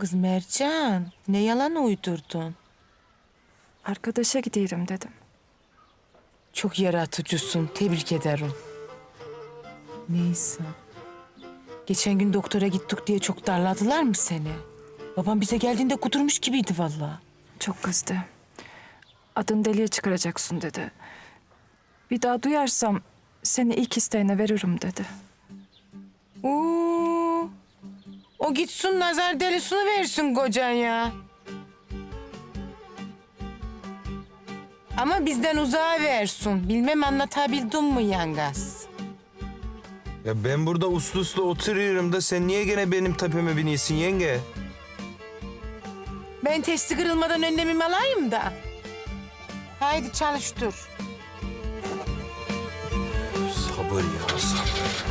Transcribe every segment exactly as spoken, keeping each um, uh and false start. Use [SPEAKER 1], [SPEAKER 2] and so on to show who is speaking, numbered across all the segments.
[SPEAKER 1] Kız Mercan, ne yalan uydurdun?
[SPEAKER 2] Arkadaşa gidiyorum dedim.
[SPEAKER 1] Çok yaratıcısın, tebrik ederim. Neyse. Geçen gün doktora gittik diye çok darladılar mı seni? Babam bize geldiğinde kudurmuş gibiydi vallahi.
[SPEAKER 2] Çok kızdı. Adını deliye çıkaracaksın dedi. Bir daha duyarsam seni ilk isteğine veririm dedi.
[SPEAKER 1] Oo, o gitsin nazar delisini versin kocan ya. Ama bizden uzağa versin. Bilmem anlatabildim mi yangaz?
[SPEAKER 3] Ya ben burada uslu uslu oturuyorum da sen niye gene benim tepeme biniyorsun yenge?
[SPEAKER 1] Ben testi kırılmadan önlemimi alayım da. Haydi çalıştır.
[SPEAKER 3] Sabır ya sabır.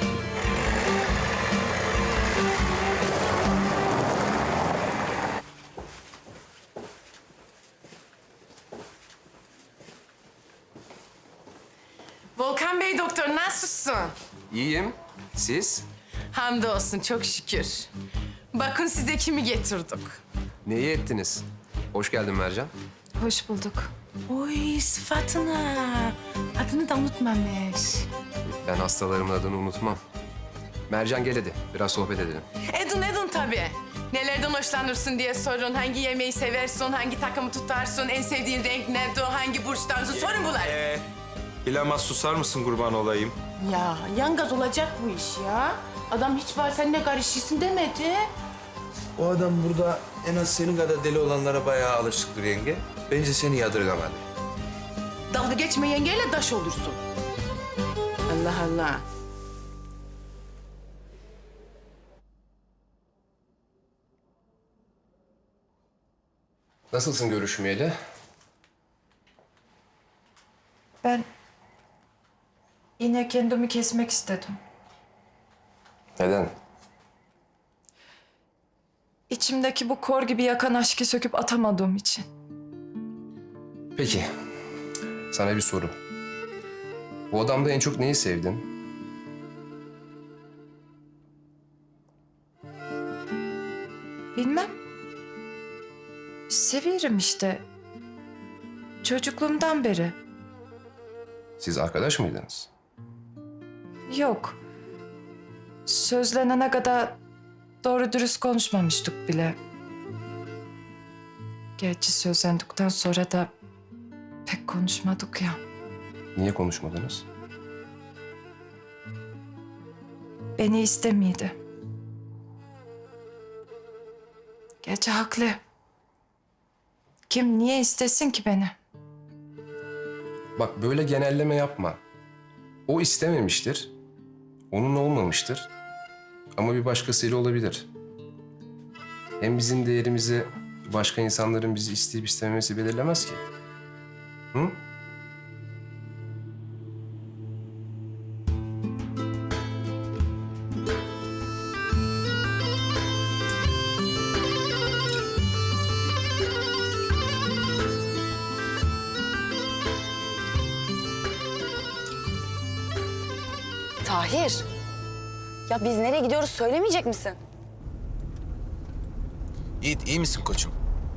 [SPEAKER 1] Volkan Bey doktor nasılsın?
[SPEAKER 4] İyiyim. Siz?
[SPEAKER 1] Hamdolsun çok şükür. Bakın size kimi getirdik.
[SPEAKER 4] Neyi ettiniz? Hoş geldin Mercan.
[SPEAKER 2] Hoş bulduk.
[SPEAKER 1] Oy sıfatına. Adını da unutmamış.
[SPEAKER 4] Ben hastalarımın adını unutmam. Mercan gel hadi. Biraz sohbet edelim.
[SPEAKER 1] Edun edun tabii. Nelerden hoşlanırsın diye sorun. Hangi yemeği seversin, hangi takımı tutarsın, en sevdiğin renk nedir, hangi burçtansın sorun bunlar.
[SPEAKER 3] Ee, bilemez susar mısın kurban olayım?
[SPEAKER 1] Ya yangaz olacak bu iş ya. Adam hiç var seninle karışıyorsun demedi.
[SPEAKER 3] O adam burada en az senin kadar deli olanlara bayağı alışıktır yenge. Bence seni yadırgamadı.
[SPEAKER 1] Dalga geçme yengeyle daş olursun. Allah Allah.
[SPEAKER 4] Nasılsın görüşmeyeli?
[SPEAKER 2] Ben yine kendimi kesmek istedim.
[SPEAKER 4] Neden?
[SPEAKER 2] İçimdeki bu kor gibi yakan aşkı söküp atamadığım için.
[SPEAKER 4] Peki. Sana bir soru. Bu adamda en çok neyi sevdin?
[SPEAKER 2] Bilmem. Seviyorum işte. Çocukluğumdan beri.
[SPEAKER 4] Siz arkadaş mıydınız?
[SPEAKER 2] Yok. Sözlenene kadar doğru dürüst konuşmamıştık bile. Gerçi sözlendikten sonra da pek konuşmadık ya.
[SPEAKER 4] Niye konuşmadınız?
[SPEAKER 2] Beni istemiydi. Gerçi haklı. Kim niye istesin ki beni?
[SPEAKER 4] Bak böyle genelleme yapma. O istememiştir. Onun olmamıştır. Ama bir başkasıyla olabilir. Hem bizim değerimizi başka insanların bizi isteyip istememesi belirlemez ki. Hı?
[SPEAKER 5] Tahir. Ya biz nereye gidiyoruz söylemeyecek misin?
[SPEAKER 6] Yiğit, iyi misin koçum?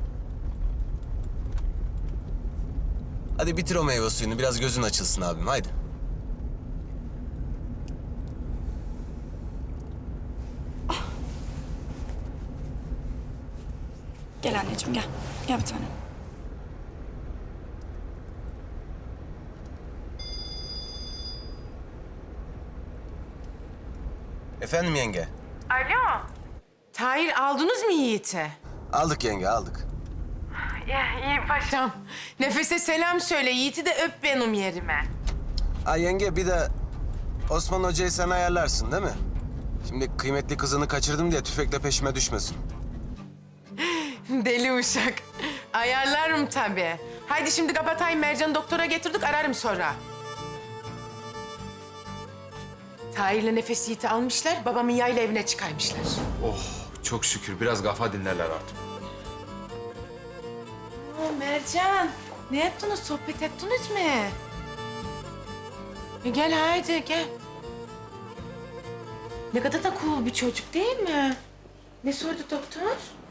[SPEAKER 6] Hadi bitir o meyve suyunu, biraz gözün açılsın abim, haydi.
[SPEAKER 5] Gel anneciğim gel. Gel bir tanem.
[SPEAKER 6] Efendim yenge?
[SPEAKER 1] Alo. Tahir aldınız mı Yiğit'i?
[SPEAKER 6] Aldık yenge, aldık.
[SPEAKER 1] Ya iyi paşam. Nefese selam söyle. Yiğit'i de öp benim yerime.
[SPEAKER 6] Ha yenge, bir de Osman Hoca'yı sen ayarlarsın değil mi? Şimdi kıymetli kızını kaçırdım diye tüfekle peşime düşmesin.
[SPEAKER 1] Deli uşak. Ayarlarım tabii. Haydi şimdi kapatayım. Mercan'ı doktora getirdik. Ararım sonra. Tahir'le Nefes Yiğit'i almışlar. Babamın yayla evine çıkarmışlar.
[SPEAKER 7] Oh çok şükür biraz kafa dinlerler artık.
[SPEAKER 1] Oo, Mercan. Ne yaptınız? Sohbet ettiniz mi? E, gel haydi gel. Ne kadar da cool bir çocuk değil mi? Ne sordu doktor?